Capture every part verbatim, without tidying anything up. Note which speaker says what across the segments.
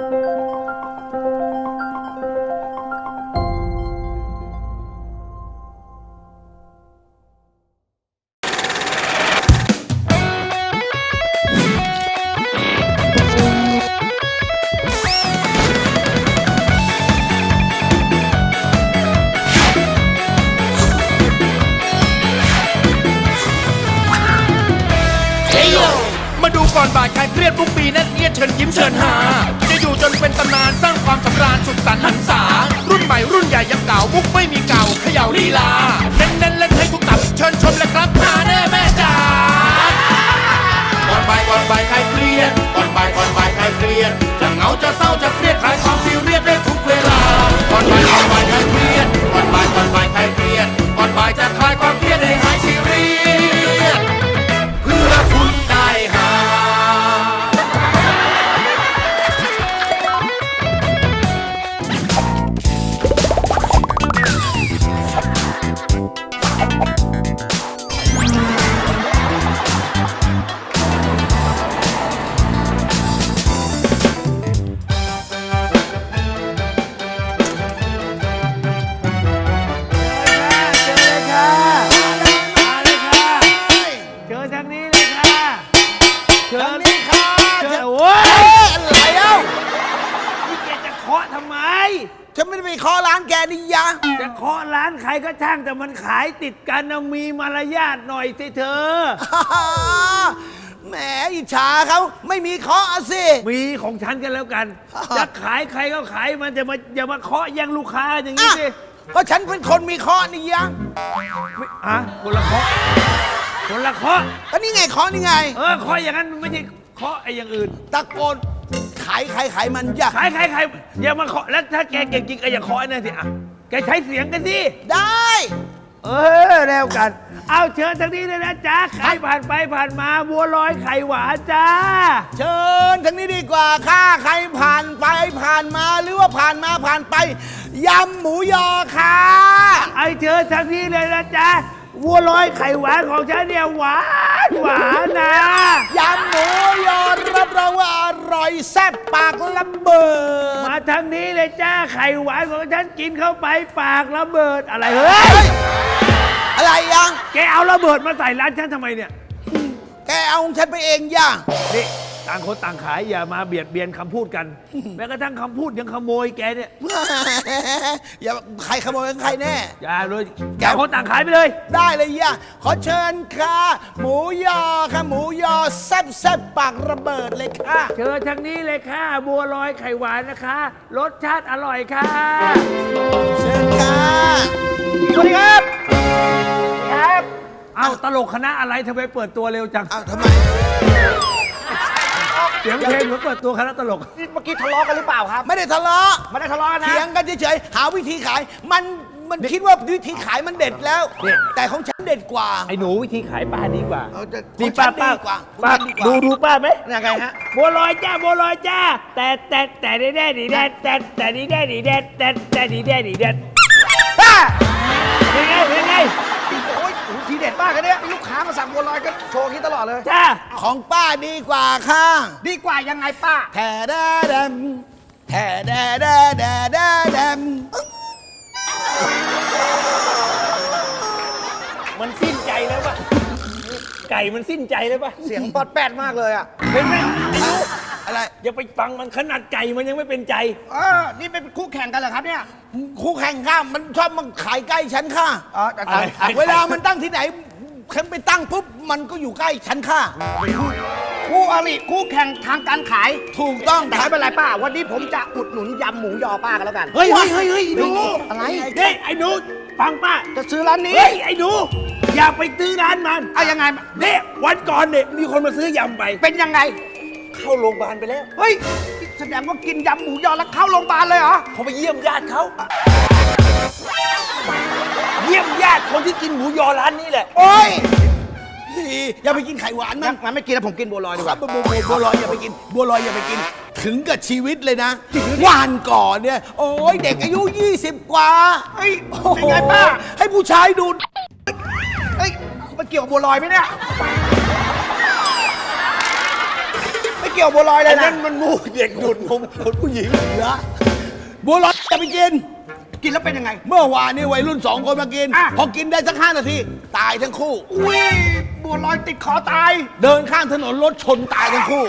Speaker 1: มาดูก่อนบ่ายคลายเครียดทุกปีแน่นเอียดเชิญยิ้มเชิญหาจะอยู่จนเป็นตำนานสร้างความสำราญสุขสันต์หันษารุ่นใหม่รุ่นใหญ่ยังเก่ามุกไม่มีเก่าเขย่าลีลาเน้นเน้นเล่นให้ทุกตับเชิญชมและครับหาแน่แม่จ๋าก่อนบ่ายก่อนบ่ายคลายเครียดก่อนบ่ายก่อนบ่ายคลายเครียดจะเหงาจะเศร้าจะเครียดคลายความซีเรียสได้ทุกเวลาก่อนบ่ายก่อนบ่ายคลายเครียดก่อนบ่ายก่อนบ่ายคลายเครียดก่อนบ่ายจะคลายความเครียดให้หายซีเรียสเพื่อคุณได้หา
Speaker 2: ฉันไม่ได้ไปเคาะร้านแกนี่ยะ
Speaker 3: จะเคาะร้านใครก็ช่างแต่มันขายติดกันนะมีมารยาทหน่อยสิเธอ
Speaker 2: แหมอิจฉาเขาไม่มีเคาะสิ
Speaker 3: มีของฉันกันแล้วกันจะขายใครก็ขายมันจะมาอย่ามาเคาะแย่งลูกค้าอย่างนี้สิ
Speaker 2: ก็ฉันเป็นคนมีเคาะนี่ยะ
Speaker 3: ไม่อะคนละเคาะคนละเคาะ
Speaker 2: ก็นี่ไงเคาะนี่ไง
Speaker 3: เออเคาะอย่างนั้นไม่ใช่เคาะไอ้อย่างอื่น
Speaker 2: ตะโกนขายขายขายมันอย่า
Speaker 3: ขายขายขายอย่ามาเคาะแล้วถ้าแกเก่งจริงก็อย่าเคาะนั่นสิอ่ะแกใช้เสียงกันสิ
Speaker 2: ได้
Speaker 3: เออแล้วกันเอาเชิญทางนี้เลยนะจ๊ะใครผ่านไปผ่านมาบัวลอยไข่หวานจ้า
Speaker 2: เชิญทางนี้ดีกว่าค่ะใครผ่านไปผ่านมาหรือว่าผ่านมาผ่านไปยำหมูยอค่ะ
Speaker 3: ไอเชิญทางนี้เลยนะจ๊ะบัวลอยไข่หวานของฉันเนี่ยหวานหวานนะ
Speaker 2: ยำหมูยอรับรองว่าอร่อยแซ่บปากระเบิด
Speaker 3: มาทางนี้เลยจ้าไข่หวานของฉันกินเข้าไปปากระเบิดอะไรเฮ้ย
Speaker 2: อะไรยัง
Speaker 3: แกเอาระเบิดมาใส่ร้านฉันทำไมเนี่ย
Speaker 2: แกเอาของฉันไปเองย่า
Speaker 3: นี่ต่างคนต่างขายอย่ามาเบียดเบียนคำพูดกันแม้กระทั่งคำพูดยังขโมยแกเนี่ย
Speaker 2: อย่าใครขโมยใครแน่
Speaker 3: อย่าเลยต่างคนต่างขายไปเลย
Speaker 2: ได้เลยย่าขอเชิญค่ะหมูยอค่ะหมูยอแซ่บแซ่บปากระเบิดเลยค่ะ
Speaker 3: เชิญทางนี้เลยค่ะบัวลอยไข่หวานนะคะรสชาติอร่อยค่ะ
Speaker 2: เชิญค่ะ
Speaker 3: สวัสดีครับครับเอาตลกคณะอะไรทำไมเปิดตัวเร็วจัง
Speaker 2: อ้าวทำไม
Speaker 3: เสียงเพลงเหมือนเปิดตัวคณะตลก
Speaker 4: นี่เมื่อกี้ทะเลาะกันหรือเปล่าครับ
Speaker 2: ไม่ได้ทะเลาะ
Speaker 4: ไม่ได้ทะเลาะนะ
Speaker 2: เถียงกันเฉยๆหาวิธีขายมันมันคิดว่าวิธีขายมันเด็ดแล้วแต่ของฉันเด็ดกว่า
Speaker 3: ไอ้หนูวิธีขายป้าดีกว่า
Speaker 2: ดีป้าป้า
Speaker 3: ป้าดูดูป้าไหม
Speaker 4: ยังไงฮะ
Speaker 3: บัวลอยจ้าบัวลอยจ้าแต่แต่แต่ดีแดดีแดแต่แต่ดีแดดีแดแต่แต่ดีแดดีแดป้าเป็นไงเป็นไง
Speaker 4: โอ้ยทีเด็ดมากเลยเนี่ยลูกค้ามาสั่งบัวลอยก็โชว์คิดตลอดเลย
Speaker 3: จ้า
Speaker 2: ของป้าดีกว่าค่ะ
Speaker 4: ดีกว่ายังไงป้า
Speaker 2: แถแดดำแถแดแดแดแดดำ
Speaker 3: มันสิ้นใจแล้วป่ะไก่มันสิ้นใจแล้วป่ะ
Speaker 4: เสียงปอดแปดมากเลยอ่ะ
Speaker 3: เป็นไหมไอ้ลูก
Speaker 2: อะไร
Speaker 3: อย่าไปฟังมันขนาดไก่มันยังไม่เป็นใจ
Speaker 4: เออนี่เป็นคู่แข่งกันเหรอครับเนี่ย
Speaker 2: คู่แข่งข้ามันชอบมาขายใกล้ฉันค่ะ
Speaker 4: อ๋อ
Speaker 2: เวลามันตั้งที่ไหนฉันไปตั้งปุ๊บมันก็อยู่ใกล้ฉันค่ะ
Speaker 4: คู่อริคู่แข่งทางการขาย
Speaker 2: ถูกต้อง
Speaker 4: แต่ไม่เป็นไรป้าวันนี้ผมจะอุดหนุนยำหมูยอป้ากันแล้วกัน
Speaker 3: เฮ้ยเฮ้ยเฮ้ยเฮ้ยดู
Speaker 4: อะไร
Speaker 3: เฮ้ยไอ้หนูฟังป้า
Speaker 4: จะซื้อร้านนี้
Speaker 3: เฮ้ยไอ้หนูอย่าไปซื้อร้านมัน
Speaker 4: เอายังไง
Speaker 3: เนี่ยวันก่อนเนี่ยมีคนมาซื้อยำไป
Speaker 4: เป็นยังไง
Speaker 3: เข้าโรงพยาบาลไปแล้ว
Speaker 4: เฮ้ยแสดงว่ากินยำหมูยอแล้วเข้าโรงพยาบาลเลยเหรอ
Speaker 3: เขาไปเยี่ยมญาติเขาเยี่ยมญาติคนที่กินหมูยอร้านนี้แหละ
Speaker 2: โอ้ยอย่าไปกินไข่หวาน
Speaker 4: มันมันไม่กินแล้วผมกินบัวลอยดีกว่า
Speaker 2: บัวลอยอย่าไปกินบัวลอยอย่าไปกินถึงกับชีวิตเลยนะวันก่อนเนี่ยโอ้ยเด็กอายุยี่สิบกว่า
Speaker 4: เฮ้ยเป็นไงป้า
Speaker 2: ให้ผู้ชายดู
Speaker 4: เฮ้ยมันเกี่ยวกับบัวลอยไหมเนี่ย
Speaker 2: ไม่
Speaker 4: เกี่ยวบัวลอยเล
Speaker 3: อั
Speaker 4: ย
Speaker 3: น
Speaker 4: นะ
Speaker 3: นั้นมันมูเด็กดูดนมคนผู้หญิง
Speaker 2: เหรอบัวลอยจะไปกิน
Speaker 4: กินแล้วเป็นยังไง
Speaker 2: เมื่อวานนี้วัยรุ่นสองคนมากิน
Speaker 4: อ่ะ
Speaker 2: พอกินได้สักห้านาที ตายทั้งคู่
Speaker 4: อุ้ยบัวลอยติดคอตาย
Speaker 2: เดินข้างถนนรถชนตายทั้งคู่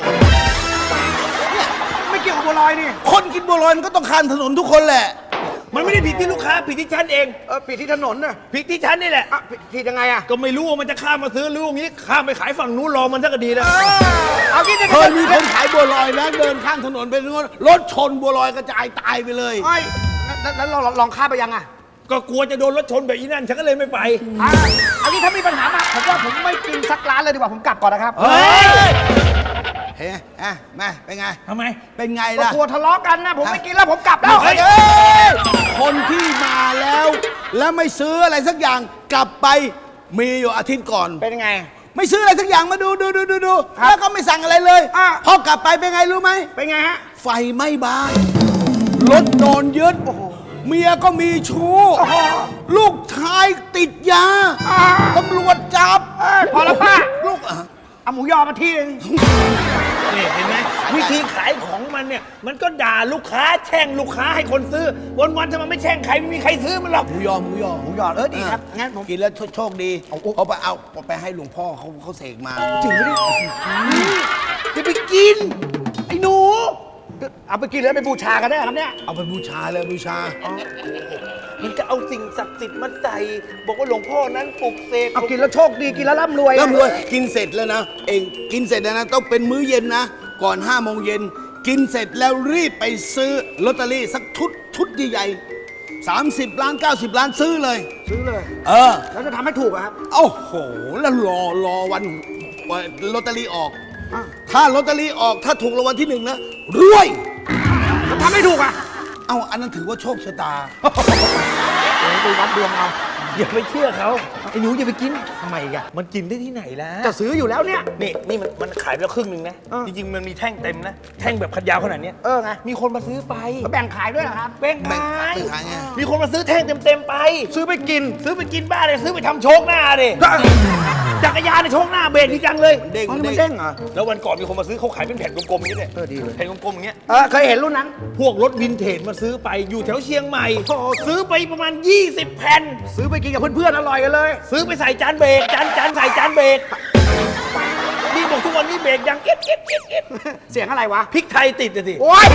Speaker 4: ไม่เกี่ยวกับบัวลอยนี่
Speaker 2: คนกินบัวลอยมันก็ต้องข้ามถนนทุกคนแหละ
Speaker 3: มันไม่ได้ผิดที่ลูกค้าผิดที่ฉันเอง
Speaker 4: เออปิดที่ถนนน่ะ
Speaker 3: ผิดที่ฉันนี่แหละ
Speaker 4: อ่ะผิดผิดยังไงอ่ะ
Speaker 3: ก็ไม่รู้ว่ามันจะข้ามมาซื้อหรือว่างี้ข้ามไปขายฝั่งนู้นรอมันสักดีแล้ว
Speaker 4: เออเอางี้จะ
Speaker 2: เคยมีคนขายบัวลอยนะเดินข้างถนนไปนู้นรถชนบัวลอยกระจายตายไปเลย
Speaker 4: ไอ้แล้วแล้วเราลองข้ามไปยังอ่ะ
Speaker 3: ก็กลัวจะโดนรถชนแบบอีนั่นฉันก็เลยไม่ไป
Speaker 4: อ่ะเอางี้ถ้ามีปัญหามาผมว่าผมไม่กินสักร้านเลยดีกว่าผมกลับก่อนนะครับ
Speaker 3: เฮ้ย
Speaker 2: เฮ้ยอ่ะมาเป็นไง
Speaker 3: ทำไม
Speaker 2: เป็นไง
Speaker 4: ก็
Speaker 2: ล่ะ
Speaker 4: กลัวทะเลาะกันนะผมไม่กินแล้วผมกลับแล้ว
Speaker 2: เฮ้ยคนที่มาแล้ว แล้วไม่ซื้ออะไรสักอย่างกลับไปมีอยู่อาทิตย์ก่อน
Speaker 4: เป็นยังไง
Speaker 2: ไม่ซื้ออะไรสักอย่างมาดูดูดูดูดู
Speaker 4: ครับ
Speaker 2: แล้วก็ไม่สั่งอะไรเลย
Speaker 4: อ่ะ
Speaker 2: พอกลับไปเป็นไงรู้ไหม
Speaker 4: เป็นไงฮะ
Speaker 2: ไฟไหม้บ้านรถโดนยึดเมียก็มีชู้
Speaker 4: โอ้โห
Speaker 2: ลูกชายติดยา
Speaker 4: อ่า
Speaker 2: ตำรวจจับ
Speaker 4: เอ้ยพอแล้วป้า
Speaker 2: ลูกอ่ะ
Speaker 4: เอาหมูยอมาที่นึง
Speaker 3: นี่เห็นไหมวิธีขายของมันเนี่ย มันก็ด่าลูกค้าแช่งลูกค้าให้คนซื้อ วันๆถ้ามันไม่แช่งใครไม่มีใครซื้อมันหรอก
Speaker 2: หมูยอหมูยอ
Speaker 4: หมูยอเออดีครับงั้นผม
Speaker 2: กินแล้วโชคดีเอาไปเอาไปให้หลวงพ่อเขาเขาเสกมาจริงไหมเนี่ยจะไปกิน ไอ้หนู
Speaker 4: เอาไปกินแล้วไปบูชากันได้ครับเนี่ย
Speaker 2: เอาไปบูชาเลยบูชา
Speaker 3: มันจะเอาสิ่งศักดิ์สิทธิ์มาใส่ บอกว่าหลวงพ่อนั้นปลุกเสก
Speaker 4: เอากินแล้วโชคดีกินแล้วร่ำรวย
Speaker 2: ร่ำรวยกินเสร็จแล้วนะ เองกินเสร็จแล้วนะ ต้องเป็นมื้อเย็นนะ ก่อนห้าโมงเย็นกินเสร็จแล้วรีบไปซื้อลอตเตอรี่สักชุดชุดใหญ่ๆสามสิบล้านเก้าสิบล้านซื้อเลย
Speaker 4: ซื้อเลย
Speaker 2: เออ
Speaker 4: แล้วจะทำให้ถูกอะครับ
Speaker 2: โอ้โห แล้วรอรอวันวันลอตเตอรี่ออก
Speaker 4: อ่ะ
Speaker 2: ถ้าลอตเตอรี่ออกถ้าถูกรางวัลที่หนึ่งนะรวย
Speaker 4: แล้วทำให้ถูกอะ
Speaker 2: เอ้าอันนั้นถือว่าโชคชะตา
Speaker 4: โอ้ยไปวัดดวงเอา
Speaker 3: อย่าไปเชื่อเขาไอ้หนูอย่าไปกินทำไมอ่ะมันกินได้ที่ไหนล่ะ
Speaker 4: จะซื้ออยู่แล้วเนี่ย
Speaker 3: นี่นี่มันมันขายไปแล้วครึ่งหนึ่งนะ
Speaker 4: เออ
Speaker 3: จริงๆมันมีแท่งเต็มนะ แท่งแบบขัดยาวขนาดเนี้ย
Speaker 4: เออไง
Speaker 3: มีคนมาซื้อไป
Speaker 4: แล้วแบ่งขายด้วยเหรอครับ
Speaker 3: แบ่ง
Speaker 2: แบ่ง
Speaker 3: ขาย
Speaker 2: แบ่งขายไง
Speaker 3: มีคนมาซื้อแท่งเต็มๆไป
Speaker 4: ซื้อไปกิน
Speaker 3: ซื้อไปกินบ้าเลยซื้อไปทำโชคหน้าดิจักรยานในโชคหน้าเบรกดีจังเลย
Speaker 2: เด้ง
Speaker 4: อ๋อนี่มัน
Speaker 2: เด้
Speaker 4: เด้
Speaker 2: ง
Speaker 4: งเหรอ
Speaker 3: แล้ววันก่อนมีคนมาซื้อเขาขายเป็นแผ่นกลมๆอย่างนี้เนี่ย
Speaker 4: เออดีเลย
Speaker 3: แผ่นกลมๆอย่างเงี้ย
Speaker 4: เออเคยเห็นรุ่นนั้น
Speaker 3: พวกรถวินเทจมาซื้อไปอยู่แถวเชียงใหม่ ซื้อไปประมาณ ยี่สิบ แผ่น
Speaker 4: ซื้อไปกินกับเพื่อนๆอร่อยกันเลย
Speaker 3: ซื้อไปใส่จานเบรกจานจานใส่จานเบรกนี่บอกทุกวันนี้เบรกยังเอ็ดเอ็ดเอ็ดเอ็ด
Speaker 4: เสียงอะไรวะ
Speaker 3: พริกไทยติดอะสิ
Speaker 4: โอ้ย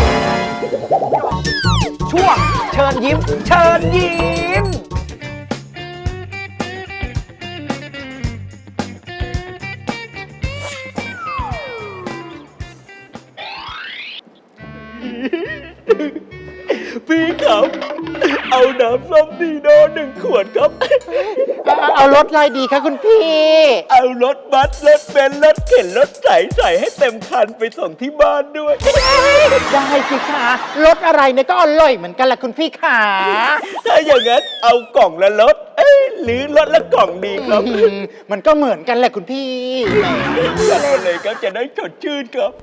Speaker 4: ช่วงเชิญยิ้ม เชิญยิ้ม
Speaker 3: พี่ครับ เอาน้ำส้มดีโดหนึ่งขวดครับ
Speaker 5: เอารถอะไรดีคะคุณพี่
Speaker 3: เอารถบัสรถเบนซ์รถเข็นรถใสใส่ให้เต็มคันไปส่งที่บ้านด้วย
Speaker 5: ได้สิคะรถอะไรเนี่ยก็อร่อยเหมือนกันแหละคุณพี่ขา
Speaker 3: ถ้าอย่างนั้นเอากล่องละรถเอ้ยหรือรถละกล่องดีครับ
Speaker 5: อืมมันก็เหมือนกันแหละคุณพี่
Speaker 3: จัดไปเลยครับจะได้สดชื่นครับ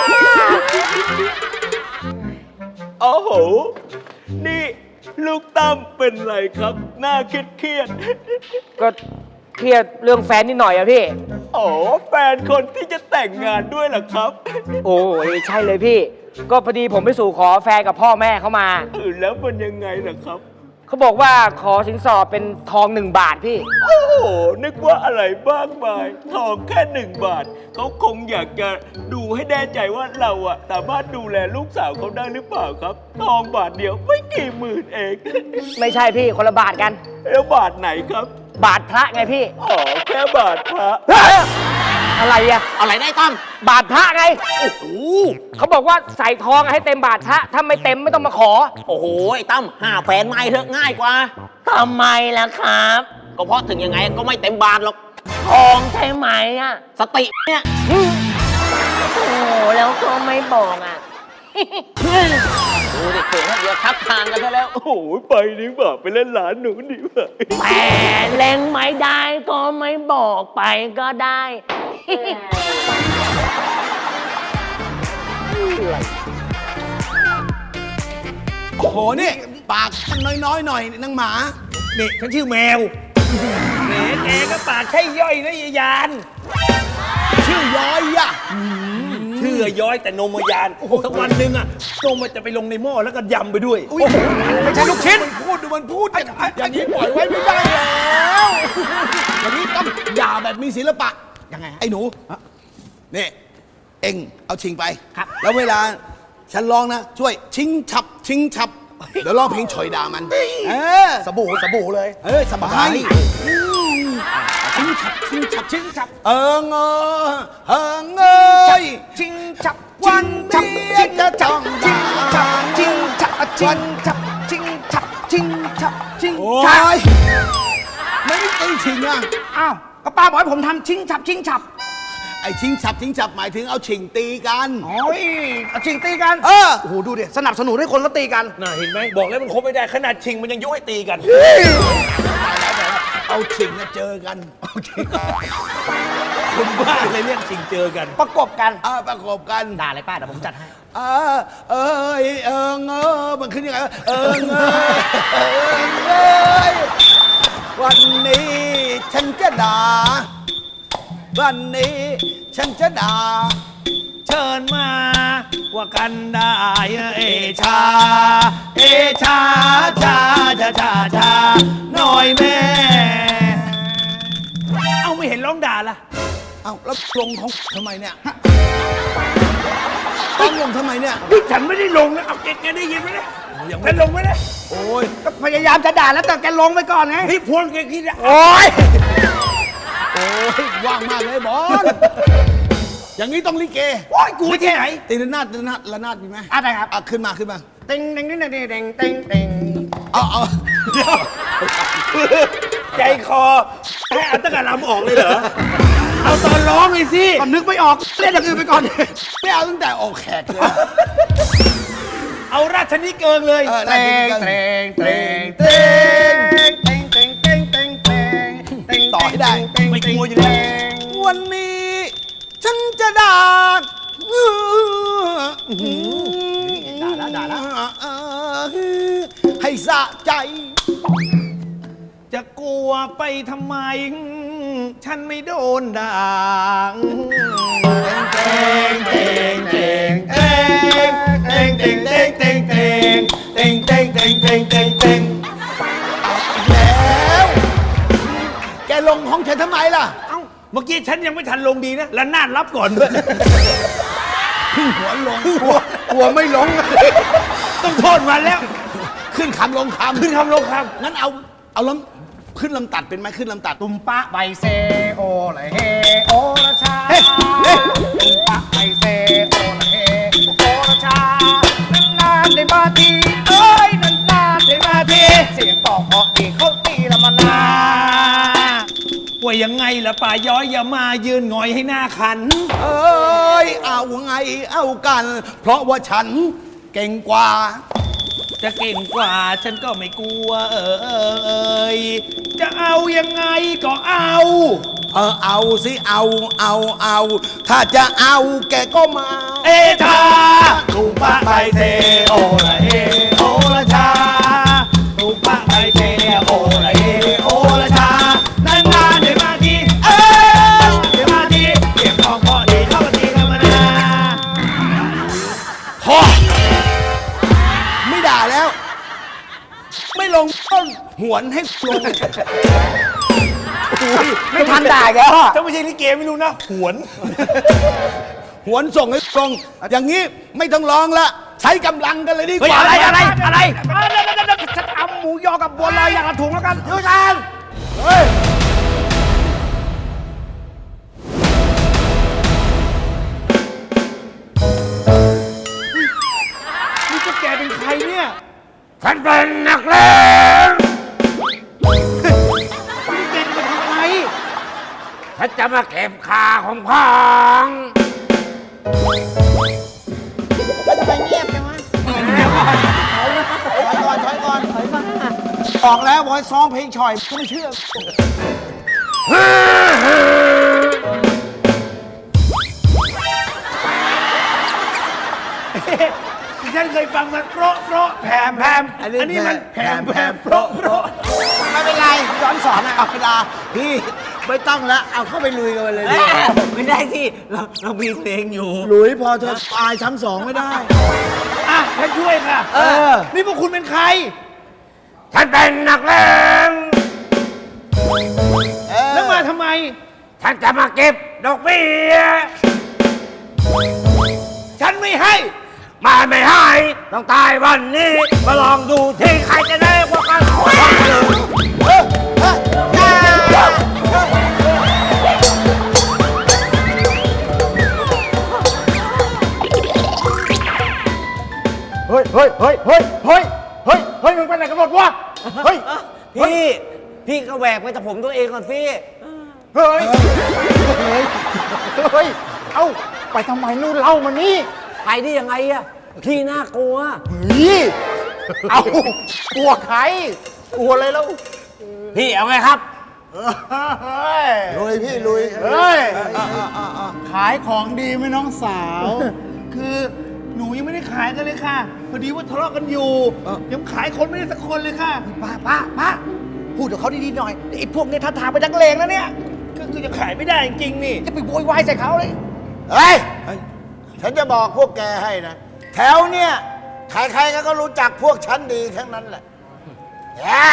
Speaker 3: โอ้โห นี่ลูกตั้มเป็นไรครับ หน้าเครียดเครียด
Speaker 6: ก็เครียดเรื่องแฟนนิดหน่อยอะพี่
Speaker 3: ๆอ๋อแฟนคนที่จะแต่งงานด้วยเหรอครับ
Speaker 6: โอ้ยใช่เลยพี่ ก็พอดีผมไปสู่ขอแฟนกับพ่อแม่เขามา
Speaker 3: เออแล้วมันยังไงล่ะครับ
Speaker 6: เขาบอกว่าขอสินสอดเป็นทองหนึ่งบาทพี่
Speaker 3: โอ้โห นึกว่าอะไรบ้างมาย ทองแค่หนึ่งบาท เขาคงอยากจะดูให้แน่ใจว่าเราอะสามารถดูแลลูกสาวเขาได้หรือเปล่าครับ ทองบาทเดียวไม่กี่หมื่นเอง
Speaker 6: ไม่ใช่พี่คนละบาทกัน
Speaker 3: แล้วบาทไหนครับ
Speaker 6: บาทพระไงพี่
Speaker 3: อ๋อ แค่บาทพระ
Speaker 6: อะไรอะ
Speaker 5: อะไรได้ตั้ม
Speaker 6: บาทพระไง โอ้โหเขาบอกว่าใส่ทองให้เต็มบาทพระ ถ้าไม่เต็มไม่ต้องมาขอ
Speaker 5: โอ้โหไอ้ตั้มห้าแฟนไม่เถอะง่ายกว่าทำไมล่ะครับ ก็เพราะถึงยังไงก็ไม่เต็มบาทหรอกทองใช่ไหมอะสติเนี่ยโอ้แล้วก็ไม่บอกอ่ะ ดูดิเกิดเดี๋ยวทับทางกันซะแล้ว
Speaker 3: โอ้โห ไปดีกว่าไปเล่นหลานหนูดีกว่า
Speaker 5: แต่เล่งไม่ได้ก็ไม่บอกไปก็ได้
Speaker 2: โอ้โห นี่ ปากมันน้อยๆหน่อยนางหมา
Speaker 3: นี่ฉันชื่อแมวแหมแกก็ปากใช่ย่อยนะยายยาน
Speaker 2: ชื่อย้อยอะอืม
Speaker 3: เชื่อย้อยแต่นมยานสักวันหนึ่งอะนมมันจะไปลงในหม้อแล้วก็ยำไปด้วย
Speaker 2: อุ๊ยไม่ใช่ลูกชิ้นมันพูดดูมันพูดอย่างอย่างนี้ปล่อยไว้ไม่ได้แล้วอย่างนี้ต้องด่าแบบมีศิลปะ
Speaker 4: ยังไงฮะ
Speaker 2: ไอ้หนูนี่เอ็งเอาชิงไป
Speaker 4: ครับ
Speaker 2: แล้วเวลาฉันร้องนะ ช่วยชิงฉับ ชิงฉับ เดี๋ยวร้องเพลงฉอยด่ามัน เออ
Speaker 4: สบู่สบู่เลย
Speaker 2: เออสบายอืมชิงฉับ ชิงฉับ ชิงฉับ เอิงเออเอิงเอ้ย
Speaker 4: ชิงฉับ
Speaker 2: วันนี้จะจ้อง
Speaker 4: ชิง
Speaker 2: ด่า
Speaker 4: ฉับชิงฉับชิงฉับชิงฉับชิงฉับชิง
Speaker 2: โอ้
Speaker 4: ฉับ
Speaker 2: ยไม่ได้ตีชิงอ่ะ
Speaker 4: อ้าวก็ป้าบอกให้ผมทำชิงฉับชิงฉับ
Speaker 2: ไอ้ชิงฉับชิงฉับหมายถึงเอาชิงตีกัน
Speaker 4: โอ้ยเอาชิงตีกัน
Speaker 2: เออ
Speaker 4: โอ้โหดูดิสนับสนุนให้คนเขาตีกัน
Speaker 3: น่าเห็นไหมบอกแล้วมันคบไม่ได้ขนาดชิงมันยังยุให้ตีกัน
Speaker 2: เอาชิงมาเจอกันเอาชิง
Speaker 3: คนบ้าเลยเรียกชิงเจอกัน
Speaker 4: ประกบกัน
Speaker 2: อ่าประกอบกัน
Speaker 4: ด่าเลยป้าเดี๋ยวผมจัดให้
Speaker 2: อ่าเอยเอิงเออมันขึ้นยังไงวะเอิงเอยเอิงเอยวันนี้ฉันจะด่าวันนี้ฉันจะด่า
Speaker 3: เชิญมาว่ากันได้เอชา เอชาชาชาชาชาหน่อยแม่ เอาไม่เห็นร้องด่าล่ะ
Speaker 2: เอ้าแล้วลงของทำไมเนี่ยต้องลงทำไมเนี่ย
Speaker 3: นี่ฉันไม่ได้ลงนะเอาแกแกได้ยินไหมเนี่ยฉันลงไหมเนี่ย
Speaker 2: โอ้ย
Speaker 4: ก็พยายามจะด่าแล้วแต่แกลงไปก่อนไง
Speaker 3: พี่พวงแกคิดอะ
Speaker 4: โอ้ย
Speaker 2: โอ้ยว่างมากเลยบอลอย่างนี้ต้องลิเก
Speaker 3: โอ้ยกูที่ไหน
Speaker 2: ตีระนาดตีระนาดระนาดมีไหม
Speaker 4: อะไรครับ
Speaker 2: อ่ะขึ้นมาขึ้นมา
Speaker 4: เต็งเต็งเต็งเต็งเต็งเต็งเต็ง
Speaker 2: เอาเอา
Speaker 3: เดี๋ยวใจคอให้อัตตกะลำออกเลยเหรอ เอาตอนร้องเลยสิ
Speaker 4: ก็นึกไม่ออกเล่นอย่างอื่นไปก่อน
Speaker 2: ไม่เอาตั้งแต่ออกแขกเลย
Speaker 3: เอาราชนิเกิงเลย
Speaker 2: เออ
Speaker 4: เต็งเต็งเต็งเต็งเต็งเต็งเต็งเต็งเต็งเต็ง
Speaker 2: ต่อให้ได้
Speaker 3: ไม่กลัวอยู่แล้ว
Speaker 2: วันนี้ฉันจะด่า
Speaker 4: ด่าแล้วด่าแล้ว
Speaker 2: ให้สะใจ
Speaker 3: จะกลัวไปทำไม ฉันไม่โดนด่าเต็งเต็งเต็งเต็งเต็งเต็งเต็งเต็งเต็งเต็งเต็งเต็งเต็งเต็งเต็ง
Speaker 2: แล้ว แกลงของฉันทำไมล่ะ
Speaker 3: เอ้าเมื่อกี้ฉันยังไม่ทันลงดีนะแล้วนาดรับก่อนด้วย
Speaker 2: พึ่งหัวลงกลัวกลัวไม่ลง
Speaker 3: ต้องโทษมันแล้ว
Speaker 2: ขึ้นคำลงคำ
Speaker 3: ขึ้นคำลงค
Speaker 2: งั้นเอา เอาลำขึ้นลำตัดเป็นไหมขึ้นลำตัด
Speaker 4: ตุมปะใบเซโอละเฮโอละชา
Speaker 2: เฮ้ยเฮ้ย
Speaker 4: ตุมปะใบเซโอละเฮโอละชานานๆได้มาทีเอ้ยนานๆได้มาทีเสียงตอกเพราะอีกเขาตีละมานา
Speaker 3: ำว่ายังไงล่ะป่าย้อยอย่ามายืนหงอยให้หน้าขัน
Speaker 2: เอ้ย เอาไง เอากัน เพราะว่าฉันเก่งกว่า
Speaker 3: จะเก่งกว่าฉันก็ไม่กลัวเออเออเอยจะเอายังไงก็เอา
Speaker 2: เออ เอาสิ เอา เอา เอา ถ้าจะเอาแกก็มา
Speaker 3: เอชาตุปะใบเทโอละเอโอละชาตุปะใบเทโอละเอโอละชานานๆได้มาทีเอ้ยได้มาทีเก็บของพอดีเข้ามาทีกันมานา
Speaker 2: พอ ไม่ด่าแล้ว ไม่ลงต้นหวนให้ลง
Speaker 4: ไม่ทันด่าแกแล้ว
Speaker 3: ถ้าไม่ใช่ลิเกไม่รู้นะ หวน
Speaker 2: หวนส่งให้ลง อย่างนี้ไม่ต้องร้องละ ใช้กำลังกันเลยดีก
Speaker 3: เฮ้ย
Speaker 2: ว่า
Speaker 3: อะไรอะไรอะไร
Speaker 4: เอาเดี๋ยวเดี๋ยวเดี๋ยวฉันเอาหมูยอกับบัวลอยอย่างละถุงแล้วกันด้วยกัน
Speaker 2: เฮ้ย
Speaker 3: นี่พวกแกเป็นใครเนี่ย
Speaker 6: ฉันเป็นนักเลง
Speaker 3: นี่แกจะมาทำอะไร
Speaker 6: ฉันจะมาเก็บค่าของพ้อง
Speaker 4: ก็จะไปเงียบใช่ไหมถอยก่อนถอยก่อนถอยก่อนออกแล้วบอยซ้อมเพลงฉ่อยก็ไม่เชื่อ
Speaker 3: ฉันเคยฟังมันโปรโปรแผมแผมอันนี้มันแผมแผมโปรโปร
Speaker 4: ไม่เป็นไรย้อนสอนอ่ะ
Speaker 2: ธรรมดาพี่ไม่ต้องละเอาเข้าไปลุยกันเลยดิ
Speaker 5: ไม่ได้สิเราเรามีเพลงอยู่
Speaker 2: หลุยพอเธออายซ้ำสองไม่ได้
Speaker 4: อ่ะฉันช่วยค่ะ
Speaker 2: เออ
Speaker 4: นี่พวกคุณเป็นใคร
Speaker 6: ฉันเป็นนักเลง
Speaker 4: แล้วมาทำไม
Speaker 6: ฉันจะมาเก็บดอกเบี้ย
Speaker 4: ฉันไม่ให้
Speaker 6: มาไม่ให้ต้องตายวันนี้ มาลองดูที่ใครจะได้กว่ากัน
Speaker 4: เฮ้ยเฮ้ยเฮ้ยเฮ้ยเฮ้ยเฮ้ยเฮ้ยมึงไปไหนกันหมดวะ เฮ้ย
Speaker 5: พี่ พี่ก็แหวกไปแต่ผมตัวเองก่อนสิ
Speaker 4: เฮ้ย เฮ้ย เฮ้ย เอ้า ไปทำไมนู่นเล่ามานี่
Speaker 5: ไปได้ยังไงอะพี่น่ากลัว
Speaker 4: นี่ เอ้า กลัวใคร กลัวอะไรแล้ว
Speaker 5: พี่เอาไงครับ
Speaker 2: ลุยพี่ลุย
Speaker 4: เฮ้ย
Speaker 7: ขายของดีไหมน้องสาว คือหนูยังไม่ได้ขายกันเลยค่ะ พอดีว่าทะเลาะกันอยู่ ยังขายคนไม่ได้สักคนเลยค่ะ
Speaker 4: ป้าป้าป้าพูดกับเขาดีๆหน่อยไอ้พวกเนี้ยท่าทางไปนักเลงแล้วเนี่ย
Speaker 7: ก็คือยังขายไม่ได้จริงๆนี่
Speaker 4: จะไปโวยวายใส่เขาเลย
Speaker 2: เฮ้ย ฉันจะบอกพวกแกให้นะ แถวเนี่ย ใครๆก็รู้จักพวกฉันดีทั้งนั้นแหละแย่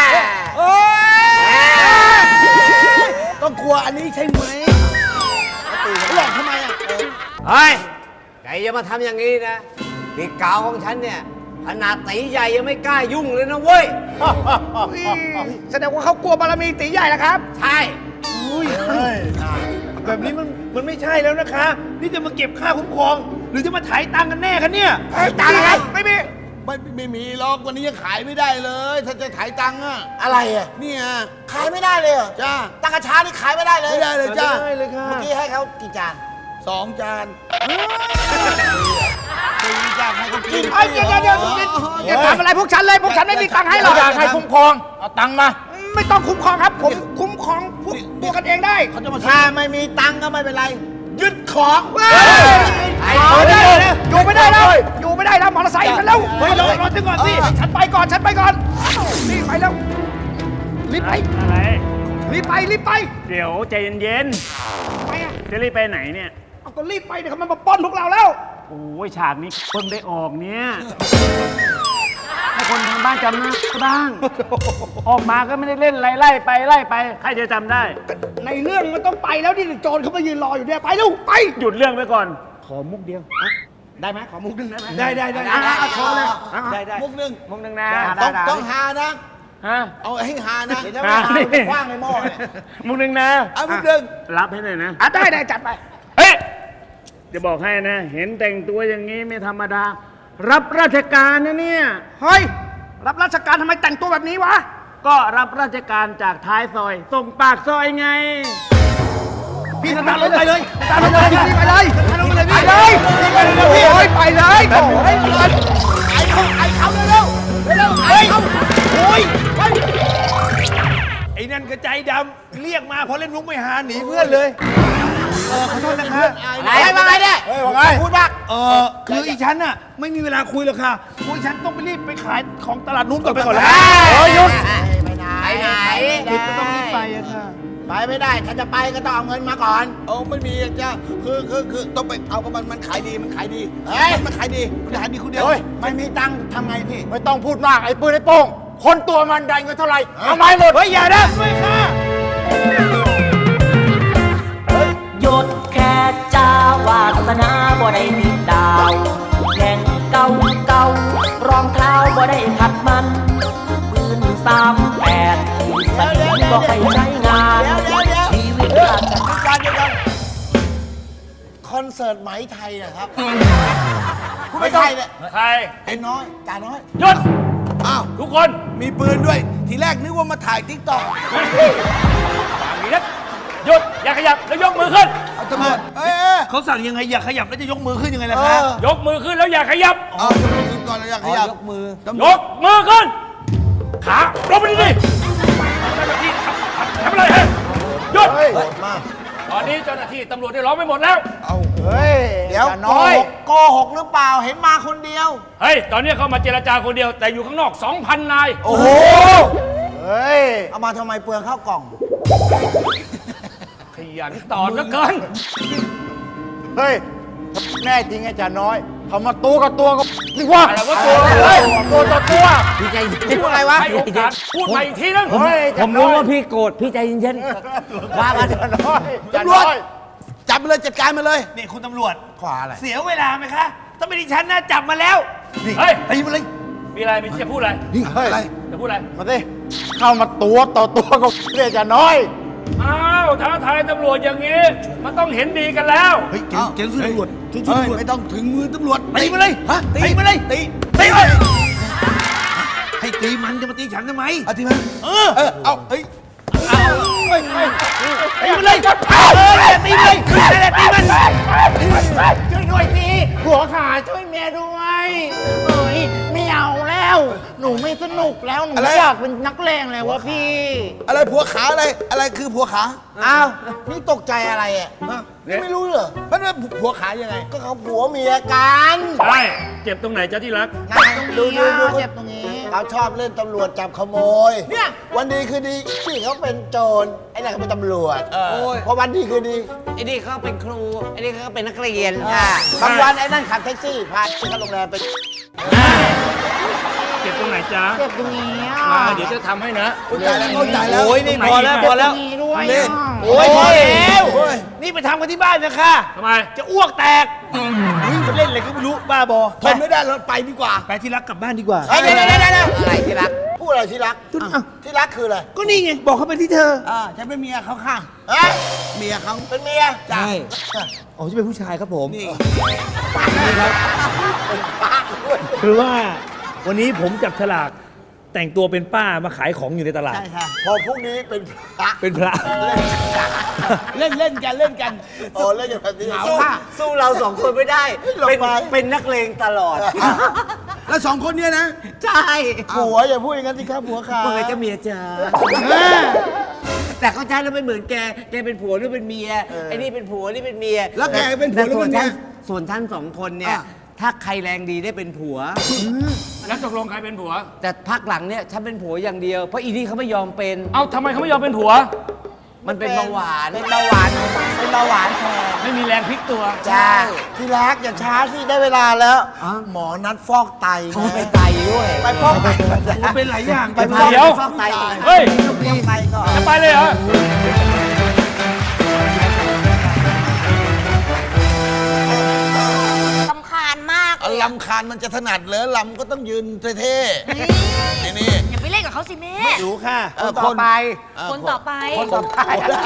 Speaker 2: ต้องกลัวอันนี้ใช่ไหมหลอกทำไมอ่ะ
Speaker 5: เฮ้ยใครจะมาทำอย่างนี้นะพี่กาวของฉันเนี่ยขนาดตีใหญ่ยังไม่กล้ายุ่งเลยนะเว้ย
Speaker 4: แสดงว่าเขากลัวบารมีตีใหญ่แล้วครับ
Speaker 5: ใช่
Speaker 7: แบบนี้มันมันไม่ใช่แล้วนะคะ นี่จะมาเก็บค่าคุ้มครอง หรือจะมาถ่ายตังค์กันแน่คะเนี่ย
Speaker 2: ถ่ายตังค์อะไร
Speaker 7: ไม่มี
Speaker 2: ไม่ไม่มีหรอกวันนี้ยังขายไม่ได้เลย ถ้าจะถ่ายตังค์อะ
Speaker 8: อะไรอ่ะ
Speaker 2: เนี่ย
Speaker 8: ขายไม่ได้เลยเหรอ
Speaker 2: จ้า
Speaker 8: ตังกระชานี่ขายไม่ได้เลย
Speaker 2: ไม่ได้เลยจ้า
Speaker 7: ไม่ได้เลยค่ะ
Speaker 8: เมื่อกี้ให้เขากี่จาน
Speaker 2: สองจานสี่จานให้เขากิน
Speaker 4: เอ้ยเดี๋ยวเดี๋ยวเดี๋ยวอย่าทำอะไรพวกฉันเลย พวกฉันไม่มีตังค์ให้หรอก
Speaker 7: อยากให้คุ้มครอง เอาตังค์มา
Speaker 4: ไม่ต้องคุ้มครองครับ ผมคุ้มครองพวกตัวกันเองได้
Speaker 2: เขาจะมา
Speaker 8: ถ้าไม่มีตังค์ก็ไม่เป็นไร ยึดของ
Speaker 4: ไอ้คนนี้อยู่ไม่ได้แล้ว อยู่ไม่ได้แล้ว มอเตอร์ไซค์กันแล้ว
Speaker 7: เฮ้ยรอรอถึงก่อนสิ
Speaker 4: ฉันไปก่อน ฉันไปก่อนรีบไปแล้ว รีบไป
Speaker 9: อะไร
Speaker 4: รีบไป รีบไป
Speaker 9: เดี๋ยวใจเย็น
Speaker 4: ไปอ่ะ
Speaker 9: ๆ จะรีบไปไหนเนี่ย
Speaker 4: เอาก็รีบไปเดี๋ยวเขามันมาปล้นพวกเราแล้ว
Speaker 9: โอ้ยฉากนี้เพิ่งได้ออกเนี่ย ให้คนทางบ้านจำหน้าบ้าง ออกมาก็ไม่ได้เล่นไล่ไล่ไปไล่ไป ใครจะจำได้
Speaker 4: ในเรื่องมันต้องไปแล้วนี่โจรเขามายืนรออยู่เนี่ยไปเร็วไป
Speaker 9: หยุดเรื่องไปก่อน ขอมุกเดียว
Speaker 4: ได้ไหมขอมุกหนึ่งได้ไหม
Speaker 7: ได้ได้ได้
Speaker 4: อ่ะอ่ะอ่ะโชว์เลย
Speaker 7: ได้ได้
Speaker 2: มุกหนึ่ง
Speaker 6: มุกหนึ่งนะ
Speaker 2: ต้องต้องหานะ
Speaker 9: ฮะ
Speaker 2: เอาให้หานะ
Speaker 8: เดี๋ยวจะไม่หาไปคว้างในหม้อเนี่ย
Speaker 9: มุกหนึ่งนะ
Speaker 2: เอามุกหนึ่ง
Speaker 9: รับให้หน่อยนะ
Speaker 4: อ่ะได้ได้จัดไป
Speaker 9: เฮ้ย จะบอกให้นะ เห็นแต่งตัวอย่างนี้ไม่ธรรมดา รับราชการนะเนี่ย
Speaker 4: เฮ้ย รับราชการทำไมแต่งตัวแบบนี้วะ
Speaker 9: ก็รับราชการจากท้ายซอย ส่งปากซอยไง
Speaker 4: พี่สตาร์ทรถไปเลยสตาร์ทรถไปเลยไปเลยสตาร์ทรถไปเลยพี่ไปเลยโอ้ยไปเลยโอ้ยไปเลยไอ้เขาไอ้เขาเร็วเร็วไอ้เขาโอ้ยไป
Speaker 7: ไอ้นั่นก็ใจดำเรียกมาพอเล่นมุกไม่หาหนีเพื่อนเลย เออขอโทษนะคะ
Speaker 8: ไหนมาไงเนี่ย
Speaker 7: เฮ้ยว่าไง
Speaker 8: พูดว่า
Speaker 7: เออคืออีฉันน่ะไม่มีเวลาคุยหรอกค่ะคุยฉันต้องไปรีบไปขายของตลาดนู้นก่อนไปก่อนแล้ว
Speaker 8: โอ้ยหยุดไปไหนไปไหน
Speaker 7: รีบก็ต้องรีบไปอะค่ะ
Speaker 8: ไปไม่ได้ ถ้าจะไปก็ต้องเอาเงินมาก่อน
Speaker 2: เอาไม่มีอะจ้าคือคือคือต้องไปเอากับมันมันขายดีมันขายดี
Speaker 8: เฮ้ย
Speaker 2: มันขายดีมันขายดีคนเดียว
Speaker 8: เฮ้ยไม่มีตังค์ทำไงพี่
Speaker 4: ไม่ต้องพูดมากไอ้ปืนไอ้โป้งคนตัวมันได้เงินเท่าไหร่เอาไม้หมด
Speaker 7: เฮ้ยอย่านะช่วยค่ะ
Speaker 10: หยุดแค่จ้าวาสนาบ่ได้มีดาวแข่งเก่าเก่ารองเท้าบ่ได้ขัดมันปืนสามแปดที่สนิมบ่ให้ใช้งาน
Speaker 8: เดี๋ยวเดี๋ยวเดี๋ยว
Speaker 10: ชีวิต
Speaker 8: เดี๋ยว
Speaker 10: ราช
Speaker 8: เดี๋ยวก่อนเดี๋ยวก่อนคอนเสิร์ตไหมไทยนะครับไม่ใช่เนี่ย
Speaker 9: ใคร
Speaker 8: ไอ้น้อยจ่าน้อย
Speaker 9: หยุด
Speaker 2: อ้าว
Speaker 9: ทุกคน
Speaker 2: มีปืนด้วย ทีแรกนึกว่ามาถ่ายติ๊กต็อก
Speaker 9: อย่างนี้นะหยุด อย่าขยับ แล้วยกมือขึ้น
Speaker 2: เอาตำรวจเอ้ยเอ้ย
Speaker 7: เขาสั่งยังไงอย่าขยับแล้วจะยกมือขึ้นยังไงล่ะ
Speaker 8: เอ
Speaker 7: คะ
Speaker 8: อย
Speaker 9: กมือขึ้นแล้วอย่าขยับ
Speaker 2: เอายกมือขึ้นก่อนแล้วอยากขยับ
Speaker 8: ยกมือ
Speaker 2: ตำร
Speaker 9: ยว
Speaker 2: จ
Speaker 9: กมือขึ้น ขาลงไปดิดิเจ้าหน้าที่ทำอะไรฮะหยุด ตอนนี้เจ้าหน้าที่ตำรวจได้ล้อมไปหมดแล้ว
Speaker 8: เดี๋ยวโกหกโกหกหรือเปล่า เห็นมาคนเดียว
Speaker 9: เฮ้ย ตอนนี้เข้ามาเจรจาคนเดียว แต่อยู่ข้างนอก สองพัน นาย
Speaker 8: โอ้โห เฮ้ย เอามาทำไมเปลืองข้าวกล่อง
Speaker 9: ขยันตอนเหลือเกิน
Speaker 7: เฮ้ย แน่จริงไอ้จ่าน้อย เขามาตัวกับตัวก็ดีกว่า
Speaker 9: อะไรวะตัวเฮ้ยตัวต่อตัว
Speaker 4: พี่ใจเย็นอะไรวะ
Speaker 9: ให้โอกาสพูดมาอีกทีนึง
Speaker 7: เฮ้ย
Speaker 4: ผมรู้ว่าพี่โกรธพี่ใจเย็นๆว่ามา
Speaker 7: จ่าน้อยจ่า
Speaker 2: ตำรว
Speaker 7: น้
Speaker 2: จ
Speaker 7: อย
Speaker 2: จับไปเลยจัดการมาเลย
Speaker 3: นี่คุณตำรวจ
Speaker 8: ขวาอะไร
Speaker 3: เสียเวลาไหมคะ ถ้าไม่ดิฉันนะจับมาแล้ว
Speaker 9: เฮ้ย
Speaker 3: ตีมาเลย
Speaker 9: มีอะไรมีจะพูดอะไร
Speaker 2: นี่อะไร
Speaker 9: จะพูดอะไร
Speaker 7: มาสิเข้ามาตัวต่อตัวก็เรียกจ่าน้อย
Speaker 9: อ้าวท้าทายตำรวจอย่างนี้ มันต้องเห็นดีกันแล้ว
Speaker 2: เฮ้ยเจ๊เจ๊สู้ตำรวจสู้ตำรวจไม่ต้องถึงมือตำรวจ
Speaker 3: ตีมาเลย
Speaker 2: ฮะ
Speaker 3: ตีมาเลย
Speaker 2: ตี
Speaker 3: ตีเลยให้ตีมันจะมาตีฉันทำไม
Speaker 2: เอาทีมาเออเออเอาเฮ้ย
Speaker 3: ตีมันเลยเออตีมันเลยนั่นแหละตีมัน
Speaker 7: ช่วยหน่อยสิหัวขาช่วยเมียด้วยเอ้ยไม่เอาแล้ว หนูไม่สนุกแล้ว หนู
Speaker 2: อะไร
Speaker 7: อยากเป็นนักเลงเลยวะพี่
Speaker 2: อะไรผัวขาอะไรอะไรคือผัวขา
Speaker 8: อ้าว นี่ตกใจอะไรอ่ะนี่ไม่รู้เหรอ
Speaker 2: มันเป็นผัวขายังไง
Speaker 8: ก็เขาผัวเมียกัน
Speaker 9: ใช่ เจ็บตรงไหนจ๊ะที่รัก
Speaker 8: นะดูดูดู
Speaker 7: เจ็บตรงนี้
Speaker 8: เขาชอบเล่นตำรวจจับขโมย เนี่ย วันดีคือดีพี่เขาเป็นโจร ไอ้นั่นเขาเป็นตำรวจพอวันดีคือดี
Speaker 4: ไอ้นี่เขาเป็นครูไอ้นี่เขาเป็นนักเรียน
Speaker 8: อ่าบางวันไอ้นั่นขับแท็กซี่ พาไปเข้าโรงแรมไป
Speaker 9: เจ็บตรงไหนจ๊ะ
Speaker 7: เจ็บตรงนี้อ่ะ
Speaker 9: มาเดี๋ยวจะทำให้นะ
Speaker 2: เข้าใจแล้วเข้าใจแล้ว
Speaker 3: โอ้ยนี่พอแล้วพอแล้ว
Speaker 7: ตรงนี้ด้วย
Speaker 2: เล่น
Speaker 3: โอ้ยพอแล้ว
Speaker 2: โอ้ย
Speaker 3: นี่ไปทำกันที่บ้านนะคะ
Speaker 9: ทำไม
Speaker 3: จะอ้วกแตกเฮ้ยมันเล่นอะไรก็ไม่รู้บ้าบอ
Speaker 2: ทนไม่ได้เราไปดีกว่า
Speaker 3: ไปที่รักกลับบ้านดีกว่า
Speaker 8: เฮ้ยเดี๋ยวเดี๋ยวเดี๋ยวเดี๋ยว
Speaker 4: อะไรที่รัก
Speaker 8: พูดอะไรที่รัก ที่รักคืออะไร
Speaker 3: ก็นี่ไงบอกเขาไปที่เธอ
Speaker 2: อ่าฉันเป็นเมียเขาค่ะ
Speaker 8: ฮะ
Speaker 2: เมียเขา
Speaker 8: เป็นเมีย
Speaker 2: ใช่
Speaker 3: อ๋อจะเป็นผู้ชายครับผม
Speaker 2: นี่
Speaker 3: คือว่าวันนี้ผมจับฉลากแต่งตัวเป็นป้ามาขายของอยู่ในตลาด
Speaker 8: ใช่ค่ะ พอพรุ่งนี้เป็นพระ
Speaker 3: เป็นพระ
Speaker 2: เล่นเล่นกันเล่นกัน
Speaker 8: โอ้เล่นอย่างแบบนี้
Speaker 4: สู้สู้เราสองคนไม่ได้
Speaker 8: หลบ
Speaker 4: เป็น
Speaker 8: ไป
Speaker 4: เป็นนักเลงตลอด
Speaker 2: แล้วสองคนเนี้ยนะ
Speaker 4: ใช่
Speaker 8: ผัวอย่าพูดอย่างนั้นสิครับผัวขา
Speaker 4: เมื่อไงจะเมียจ้าแต่เข้าใจแล้วไม่เหมือนแก แกเป็นผัวหรือเป็นเมีย ไอ้นี่เป็นผัวนี่เป็นเมีย
Speaker 2: แล้วแกเป็นผัวหรือเป็นเมีย
Speaker 4: แต่ส่วนท่านสองคนเนี่ย
Speaker 2: อ่ะ
Speaker 4: ถ้าใครแรงดีได้เป็นผัว
Speaker 9: แล้วตกลงใครเป็นผัว
Speaker 4: แต่พักหลังเนี่ยฉันเป็นผัวอย่างเดียว เพราะอีนี่เขาไม่ยอมเป็น
Speaker 9: เอ้าทำไมเขาไม่ยอมเป็นผัว
Speaker 4: มันเป็นเบาหวาน
Speaker 8: เป็นเบาหวานเป็นเบาหวานแทน
Speaker 9: ไม่มีแรงพลิกตัว
Speaker 8: จ้าที่รักอย่าช้าสิได้เวลาแล้ว
Speaker 4: อ๋อ
Speaker 8: หมอนัดฟอกไต
Speaker 4: เขา
Speaker 8: นะ
Speaker 4: ไปไตด้วย
Speaker 8: ไปฟอกไต
Speaker 3: เป็นหลายอย่าง
Speaker 8: ไปฟอก
Speaker 9: เดี๋ยว
Speaker 8: ฟอกไตก่อน
Speaker 9: เฮ้ย
Speaker 8: ฟอกไตก่อน
Speaker 9: จะไปเลยเหรอ
Speaker 11: สำคาญมากเลย
Speaker 2: ลำคาญมันจะถนัดเหรอลำก็ต้องยืนเท่ๆนี่นี่
Speaker 11: อย่าไปเล่นกับเขาสิแม่
Speaker 3: รู้ค่ะ
Speaker 2: เออคนไป
Speaker 11: คนต่อไป
Speaker 2: คนต่อไป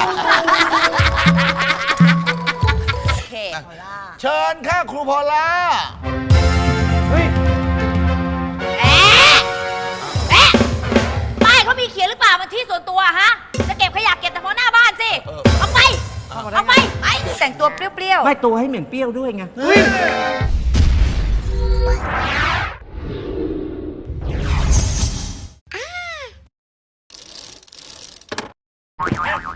Speaker 11: โอเคพอล่า
Speaker 2: เชิญค่ะครูพอลล่า
Speaker 11: เอ๊ะเอ๊ะป้ายเขามีเขียนหรือเปล่ามันที่ส่วนตัวฮะ จะเก็บขยะเก็บแต่พอหน้าบ้านสิ เอาไป เอาไป ไป แต่งตัวเปรี้ยวๆ
Speaker 4: ไม่ตัวให้เหม็นเปรี้ยวด้วยไง
Speaker 11: เ